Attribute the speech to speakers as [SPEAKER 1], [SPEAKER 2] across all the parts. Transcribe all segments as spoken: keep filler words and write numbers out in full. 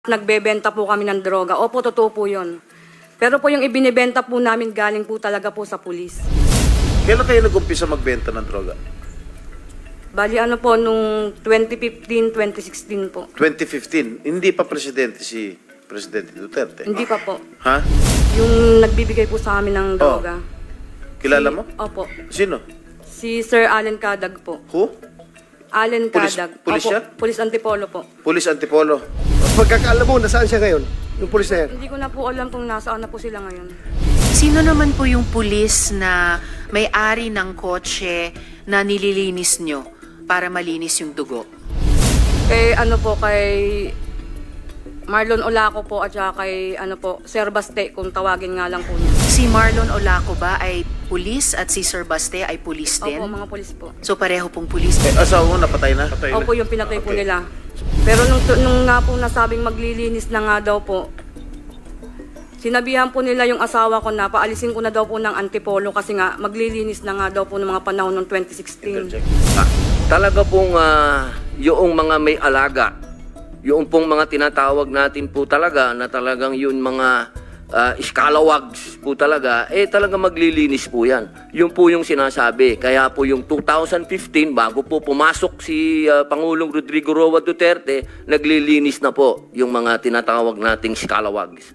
[SPEAKER 1] Nagbebenta po kami ng droga. Opo, totoo po yun. Pero po yung ibinibenta po namin galing po talaga po sa pulis.
[SPEAKER 2] Kailan kayo nag-umpisa magbenta ng droga?
[SPEAKER 1] Bali ano po, nung twenty fifteen, twenty sixteen po.
[SPEAKER 2] twenty fifteen, hindi pa presidente si Presidente Duterte.
[SPEAKER 1] Hindi pa po.
[SPEAKER 2] Ha?
[SPEAKER 1] Yung nagbibigay po sa amin ng droga.
[SPEAKER 2] Kilala
[SPEAKER 1] Si-
[SPEAKER 2] mo?
[SPEAKER 1] Opo.
[SPEAKER 2] Sino?
[SPEAKER 1] Si Sir Allen Cadag po.
[SPEAKER 2] Who?
[SPEAKER 1] Allen
[SPEAKER 2] Pulis-
[SPEAKER 1] Cadag.
[SPEAKER 2] pulis
[SPEAKER 1] Opo,
[SPEAKER 2] siya?
[SPEAKER 1] Pulis Antipolo po.
[SPEAKER 2] Police Antipolo.
[SPEAKER 3] Pagkakaalam mo, nasaan siya ngayon? Yung pulis na yan?
[SPEAKER 1] Hindi ko na po alam kung nasaan na po sila ngayon.
[SPEAKER 4] Sino naman po yung pulis na may-ari ng kotse na nililinis nyo para malinis yung dugo?
[SPEAKER 1] Kay ano po, kay Marlon Olaco po at saka kay ano po, Sir Baste, kung tawagin nga lang po niya.
[SPEAKER 4] Si Marlon Olaco ba ay pulis at si Sir Baste ay pulis din?
[SPEAKER 1] Opo, mga pulis po.
[SPEAKER 4] So pareho pong pulis.
[SPEAKER 2] Eh, asawa mo napatay na?
[SPEAKER 1] Opo, yung pinatay po
[SPEAKER 2] Okay.
[SPEAKER 1] nila. Pero nung, nung nga po nasabing maglilinis na nga daw po, sinabihan po nila yung asawa ko na paalisin ko na daw po ng Antipolo kasi nga maglilinis na nga daw po ng mga panahon ng twenty sixteen.
[SPEAKER 5] Ah, talaga pong ah, yung mga may alaga, yung pong mga tinatawag natin po talaga na talagang yun mga uh, scalawags po talaga, eh talaga maglilinis po yan. Yun po yung sinasabi. Kaya po yung two thousand fifteen, bago po pumasok si ah, Pangulong Rodrigo Roa Duterte, naglilinis na po yung mga tinatawag nating scalawags.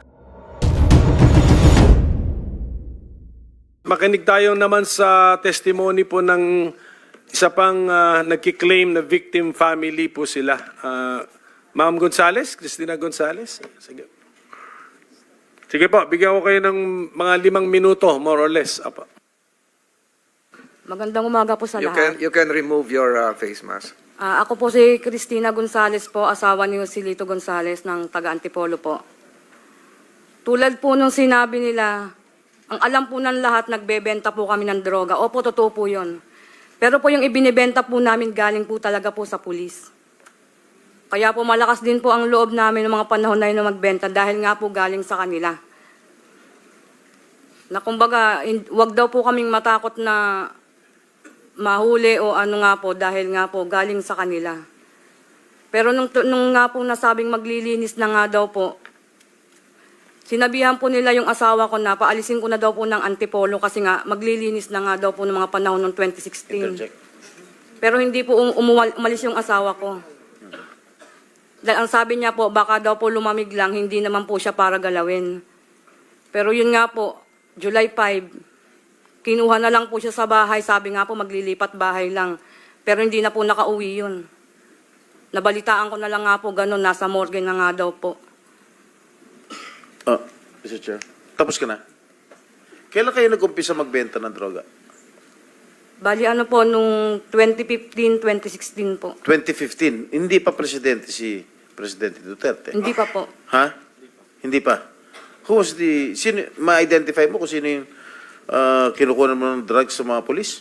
[SPEAKER 6] Makinig tayo naman sa testimony po ng isa pang uh, nagkiklaim na victim family po sila. Uh, Ma'am Gonzales, Cristina Gonzales. Sige. Sige po, bigyan ko kayo ng mga limang minuto, more or less. Apa.
[SPEAKER 1] Magandang umaga po sa
[SPEAKER 7] You
[SPEAKER 1] lahat.
[SPEAKER 7] can you can remove your uh, face mask.
[SPEAKER 1] Ah, ako po si Cristina Gonzales po, asawa ni Joselito Gonzales ng taga Antipolo po. Tulad po nung sinabi nila, ang alam po ng lahat, nagbebenta po kami ng droga. Opo, totoo po yun. Pero po yung ibinibenta po namin galing po talaga po sa pulis. Kaya po malakas din po ang loob namin ng mga panahon na yun na magbenta dahil nga po galing sa kanila. Na kumbaga, hin- wag daw po kaming matakot na mahuli o ano nga po dahil nga po galing sa kanila. Pero nung, nung nga po nasabing maglilinis na nga daw po, sinabihan po nila yung asawa ko na paalisin ko na daw po ng Antipolo kasi nga maglilinis na nga daw po ng mga panahon ng twenty sixteen.
[SPEAKER 2] Interject.
[SPEAKER 1] Pero hindi po um- umuwal- umalis yung asawa ko. Dahil ang sabi niya po, baka daw po lumamig lang, hindi naman po siya para galawin. Pero yun nga po, July fifth, kinuha na lang po siya sa bahay. Sabi nga po, maglilipat bahay lang. Pero hindi na po nakauwi yun. Nabalitaan ko na lang nga po, ganun, nasa morgue na nga daw po.
[SPEAKER 2] Oh, Mister Chair. Tapos ka na? Kailan kayo nag-umpisa magbenta ng droga?
[SPEAKER 1] Bali ano po, nung twenty fifteen, twenty sixteen po.
[SPEAKER 2] twenty fifteen, hindi pa presidente si Presidente Duterte.
[SPEAKER 1] Hindi pa po.
[SPEAKER 2] Ha? Hindi pa. Who was the, sino, ma-identify mo kung sino yung uh, kinukuha mo ng drugs sa mga polis?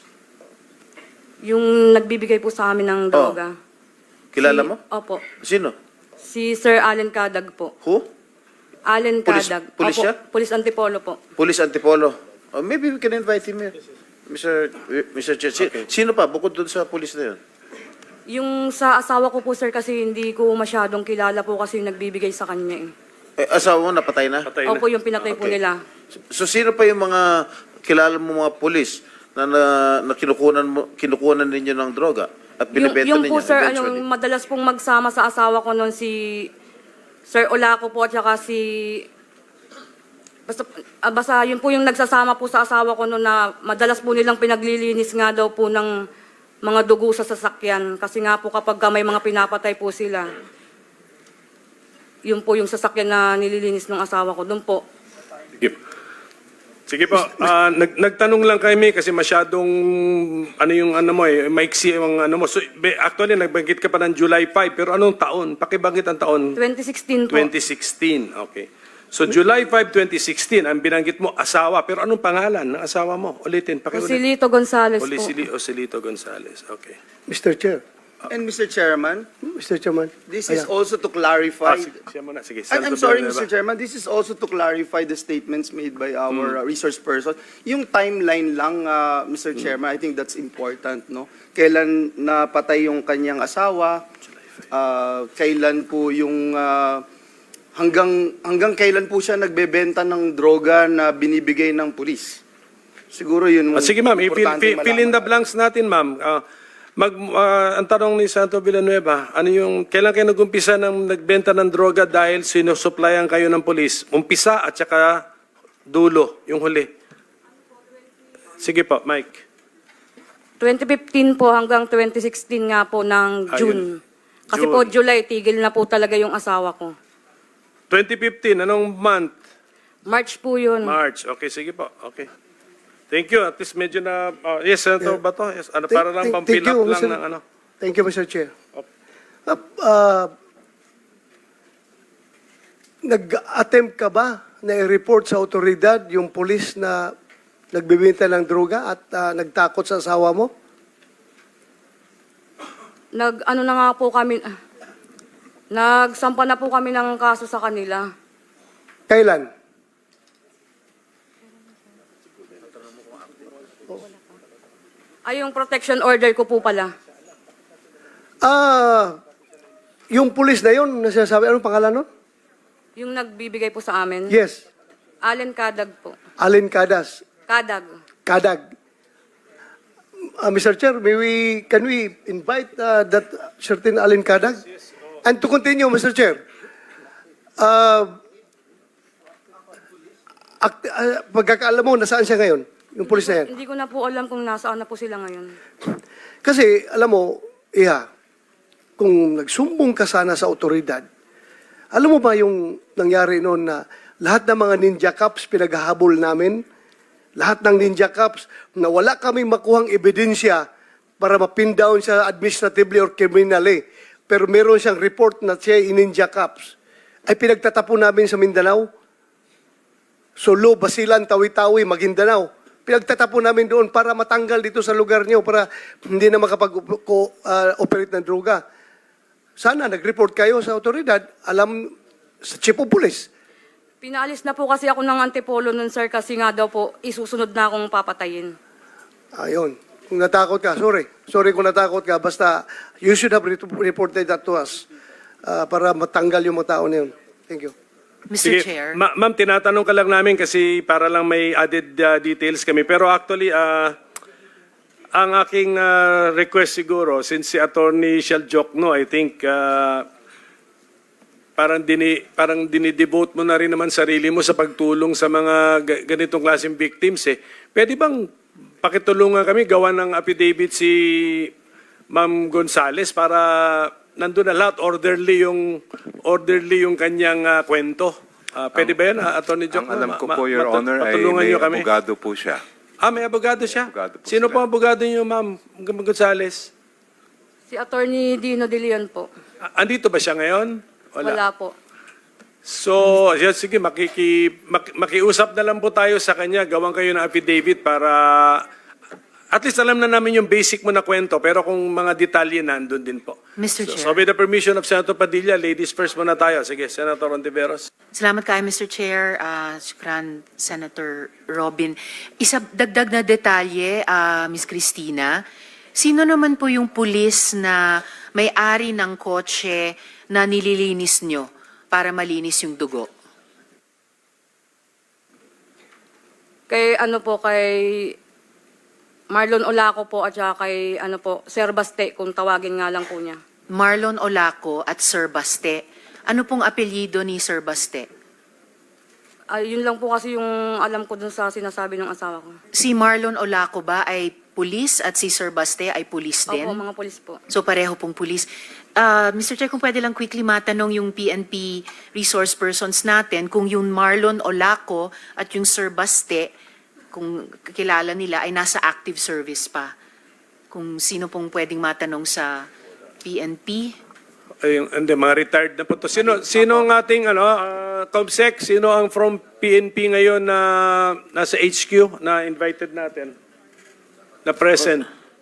[SPEAKER 1] Yung nagbibigay po sa amin ng droga.
[SPEAKER 2] Kilala
[SPEAKER 1] Si-
[SPEAKER 2] mo?
[SPEAKER 1] Opo.
[SPEAKER 2] Sino?
[SPEAKER 1] Si Sir Allen Cadag po.
[SPEAKER 2] Who?
[SPEAKER 1] Allen
[SPEAKER 2] Pulis-
[SPEAKER 1] Cadag.
[SPEAKER 2] pulis
[SPEAKER 1] Opo,
[SPEAKER 2] siya?
[SPEAKER 1] Pulis Antipolo po.
[SPEAKER 2] Police Antipolo. Oh, maybe we can invite him here. Mister Mister Chair. Si- Sino pa? Bukod doon sa police na yun.
[SPEAKER 1] Yung sa asawa ko po, sir, kasi hindi ko masyadong kilala po kasi yung nagbibigay sa kanya eh.
[SPEAKER 2] Eh, asawa mo napatay na?
[SPEAKER 6] Patay na.
[SPEAKER 1] Opo, yung pinatay po
[SPEAKER 2] Okay.
[SPEAKER 1] nila.
[SPEAKER 2] So, sino pa yung mga kilala mo mga polis na, na, na kinukunan, mo, kinukunan ninyo ng droga at
[SPEAKER 1] Yung,
[SPEAKER 2] binibenta
[SPEAKER 1] yung
[SPEAKER 2] ninyo
[SPEAKER 1] po, sir, ano,
[SPEAKER 2] eventually?
[SPEAKER 1] madalas pong magsama sa asawa ko noon si Sir Olaco po at saka si... Basta, ah, basta yun po yung nagsasama po sa asawa ko noon na madalas po nilang pinaglilinis nga daw po ng mga dugo sa sasakyan. Kasi nga po kapag may mga pinapatay po sila, yun po yung sasakyan na nililinis ng asawa ko. Doon po.
[SPEAKER 6] Sige, Sige po, ah, nag, nagtanong lang kami kasi masyadong ano yung ano mo eh, maiksi yung ano mo. So, be- actually, nagbanggit ka pa ng July fifth, pero anong taon? Pakibanggit ang taon?
[SPEAKER 1] twenty sixteen po.
[SPEAKER 6] twenty sixteen, okay. So July fifth, twenty sixteen, ang binanggit mo, asawa. Pero anong pangalan ng asawa mo? Ulitin, pakiulit.
[SPEAKER 1] Joselito Gonzales po.
[SPEAKER 6] Olisili Osilito Gonzales, okay.
[SPEAKER 3] Mister Chair.
[SPEAKER 7] And Mister Chairman,
[SPEAKER 3] Mister Chairman.
[SPEAKER 7] this is
[SPEAKER 3] Ayan.
[SPEAKER 7] also to
[SPEAKER 6] Ah,
[SPEAKER 7] clarify.
[SPEAKER 6] sige, siya muna, sige.
[SPEAKER 7] I'm, I'm
[SPEAKER 6] Senator
[SPEAKER 7] sorry,
[SPEAKER 6] Villanueva.
[SPEAKER 7] Mister Chairman. This is also to clarify the statements made by our uh, resource person. Yung timeline lang, uh, Mister Chairman, I think that's important, no? Kailan napatay yung kanyang asawa? Uh, kailan po yung uh, hanggang hanggang kailan po siya nagbebenta ng droga na binibigay ng pulis? Siguro yun.
[SPEAKER 6] Ah, sige ma'am, i-fill
[SPEAKER 7] importante
[SPEAKER 6] fill, fill in the
[SPEAKER 7] malaman.
[SPEAKER 6] blanks natin ma'am. Ah, mag, ah, ang tanong ni Santo Villanueva, ano yung, kailan kayo nag-umpisa ng nagbenta ng droga dahil sinusuplayan kayo ng polis? Umpisa at saka dulo, yung huli. Sige po, Mike.
[SPEAKER 1] twenty fifteen po hanggang twenty sixteen nga po ng
[SPEAKER 6] Ayun.
[SPEAKER 1] June. Kasi
[SPEAKER 6] June.
[SPEAKER 1] po July, tigil na po talaga yung asawa ko.
[SPEAKER 6] twenty fifteen, anong month?
[SPEAKER 1] March po yun.
[SPEAKER 6] March. Okay, sige po. Okay. Thank you. At least medyo na, ah, yes, Senator
[SPEAKER 3] Yeah.
[SPEAKER 6] Bato. Yes, ano,
[SPEAKER 3] Thank-
[SPEAKER 6] para lang
[SPEAKER 3] thank-
[SPEAKER 6] pang-fill
[SPEAKER 3] thank
[SPEAKER 6] up
[SPEAKER 3] you,
[SPEAKER 6] lang
[SPEAKER 3] Mister
[SPEAKER 6] ng ano.
[SPEAKER 3] Thank you, Mister Chair.
[SPEAKER 6] Op.
[SPEAKER 3] Uh, uh, nag-attempt ka ba na i-report sa otoridad yung polis na nagbibenta ng droga at uh, nagtakot sa asawa mo?
[SPEAKER 1] Nag, ano na nga po kami, ah, nagsampa na po kami ng kaso sa kanila.
[SPEAKER 3] Kailan?
[SPEAKER 1] Ay, yung protection order ko po pala.
[SPEAKER 3] Ah, yung polis na yun, na sinasabi, anong pangalan nun?
[SPEAKER 1] Yung nagbibigay po sa amin.
[SPEAKER 3] Yes,
[SPEAKER 1] Allen Kadag po.
[SPEAKER 3] Alin Cadas.
[SPEAKER 1] Kadag.
[SPEAKER 3] Kadag. Uh, Mister Chair, may we, can we invite uh, that certain Alin Kadag? And to continue, Mister Chair, uh, act, uh, pagkakaalam mo, nasaan siya ngayon? Yung polis na yan?
[SPEAKER 1] Hindi ko na po alam kung nasaan na po sila ngayon.
[SPEAKER 3] Kasi, alam mo, Iha, kung nagsumbong ka sana sa otoridad, alam mo ba yung nangyari noon na lahat ng mga ninja cops pinaghahabol namin, lahat ng ninja cops na wala kami makuhang ebidensya para mapin down siya administratively or criminally, pero meron siyang report na siya ay ninja cops, ay pinagtatapon namin sa Mindanao. Solo, Basilan, Tawi-Tawi, Maguindanao. Pinagtatapon namin doon para matanggal dito sa lugar niyo para hindi na makapag-operate ng droga. Sana nag-report kayo sa otoridad, alam sa chief of police.
[SPEAKER 1] Pinaalis na po kasi ako ng Antipolo nun, sir, kasi nga daw po, isusunod na akong papatayin.
[SPEAKER 3] Ayun. Kung natakot ka, sorry. Sorry kung natakot ka. Basta, you should have re- reported that to us uh, para matanggal yung mga tao na yun. Thank you.
[SPEAKER 4] Mister
[SPEAKER 6] Sige,
[SPEAKER 4] Chair.
[SPEAKER 6] Ma- ma'am, tinatanong ka lang namin kasi para lang may added uh, details kami. Pero actually, uh, ang aking uh, request siguro, since si Attorney Shell Jokno, I think, uh, parang, dini, parang dinidevote mo na rin naman sarili mo sa pagtulong sa mga ga- ganitong klaseng victims. Eh. Pwede bang pakitulungan kami, gawa ng affidavit si Ma'am Gonzales para nandun na lahat, orderly yung, orderly yung kanyang uh, kwento. Uh, pwede ba yan, uh, Attorney Jokno?
[SPEAKER 8] Ang alam ko
[SPEAKER 6] Ma-
[SPEAKER 8] po, Your
[SPEAKER 6] matu-
[SPEAKER 8] Honor, ay
[SPEAKER 6] patulungan
[SPEAKER 8] may
[SPEAKER 6] niyo kami.
[SPEAKER 8] abogado po siya.
[SPEAKER 6] Ah, may abogado siya?
[SPEAKER 8] Abogado po
[SPEAKER 6] Sino
[SPEAKER 8] sila.
[SPEAKER 6] po ang abogado niyo, Ma'am Gonzales?
[SPEAKER 1] Si Attorney Dino De Leon po.
[SPEAKER 6] Ah, andito ba siya ngayon?
[SPEAKER 1] Wala, po.
[SPEAKER 6] So, yeah, sige, makiki, mak, makiusap na lang po tayo sa kanya. Gawan kayo ng affidavit para at least alam na namin yung basic mo na kwento. Pero kung mga detalye, nandun din po.
[SPEAKER 4] Mister
[SPEAKER 6] So,
[SPEAKER 4] Chair.
[SPEAKER 6] so with the permission of Senator Padilla, ladies first muna tayo. Sige, Senator Ontiveros.
[SPEAKER 4] Salamat kayo, Mister Chair. Uh, shukran, Senator Robin. Isa dagdag na detalye, uh, Miss Cristina. Sino naman po yung pulis na may-ari ng kotse na nililinis nyo para malinis yung dugo?
[SPEAKER 1] Kay ano po, kay Marlon Olaco po at saka kay ano po, Sir Baste, kung tawagin nga lang po niya.
[SPEAKER 4] Marlon Olaco at Sir Baste. Ano pong apelyido ni Sir Baste?
[SPEAKER 1] Ay, yun lang po kasi yung alam ko dun sa sinasabi ng asawa ko.
[SPEAKER 4] Si Marlon Olaco ba ay pulis at si Sir Baste ay pulis din?
[SPEAKER 1] Opo, mga polis po.
[SPEAKER 4] So pareho pong pulis. Uh, Mister Chair, kung pwede lang quickly matanong yung P N P resource persons natin kung yung Marlon Olaco at yung Sir Baste, kung kilala nila, ay nasa active service pa. Kung sino pong pwedeng matanong sa P N P?
[SPEAKER 6] Ay, hindi, mga retired na po to. Sino, sino ang ating, ano, uh, Comsec, sino ang from P N P ngayon na nasa H Q na invited natin? Na present?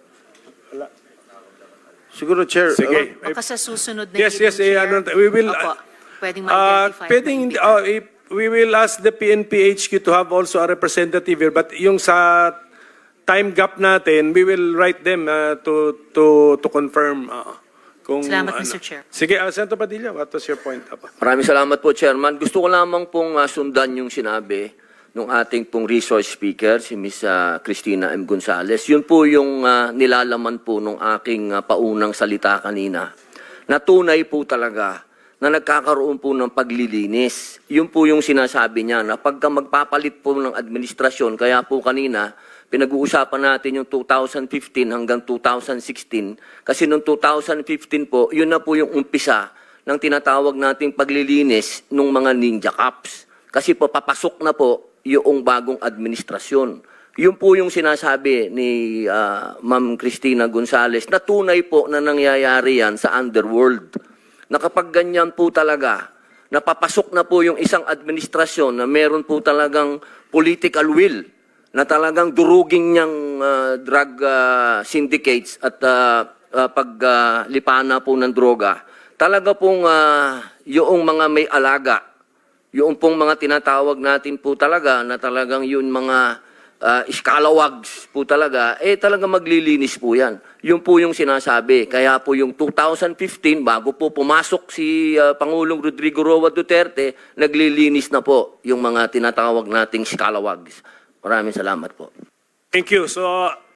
[SPEAKER 2] Siguro, Chair.
[SPEAKER 6] Sige.
[SPEAKER 4] Baka sa susunod na
[SPEAKER 6] Yes,
[SPEAKER 4] hearing,
[SPEAKER 6] yes, eh,
[SPEAKER 4] Chair.
[SPEAKER 6] ano, we will,
[SPEAKER 4] Opo, pwedeng
[SPEAKER 6] Uh,
[SPEAKER 4] ma-identify.
[SPEAKER 6] pwedeng, uh, if we will ask the P N P H Q to have also a representative here, but yung sa time gap natin, we will write them uh, to to to confirm. Uh, Kung,
[SPEAKER 4] Salamat,
[SPEAKER 6] ano.
[SPEAKER 4] Mister Chair.
[SPEAKER 6] Sige, uh, Senator Padilla, what was your point? Apa?
[SPEAKER 5] Maraming salamat po, Chairman. Gusto ko lamang pong ah, sundan yung sinabi ng ating pong resource speaker, si Miz ah, Cristina M. Gonzales. Yun po yung ah, nilalaman po ng aking ah, paunang salita kanina. Na tunay po talaga na nagkakaroon po ng paglilinis. Yun po yung sinasabi niya na pagka magpapalit po ng administrasyon, kaya po kanina, pinag-uusapan natin yung two thousand fifteen hanggang two thousand sixteen. Kasi noong two thousand fifteen po, yun na po yung umpisa ng tinatawag nating paglilinis ng mga ninja cops. Kasi po papasok na po yung bagong administrasyon. Yun po yung sinasabi ni uh, Ma'am Cristina Gonzales na tunay po na nangyayari yan sa underworld. Na kapag ganyan po talaga, napapasok na po yung isang administrasyon na meron po talagang political will na talagang duruging niyang uh, drug uh, syndicates at uh, uh, paglipana uh, po ng droga. Talaga pong uh, yung mga may alaga, yung pong mga tinatawag natin po talaga na talagang yun mga uh, iskalawags po talaga, eh talaga maglilinis po yan. Yun po yung sinasabi. Kaya po yung two thousand fifteen, bago po pumasok si uh, Pangulong Rodrigo Roa Duterte, naglilinis na po yung mga tinatawag nating iskalawags. Maraming salamat po.
[SPEAKER 6] Thank you. So,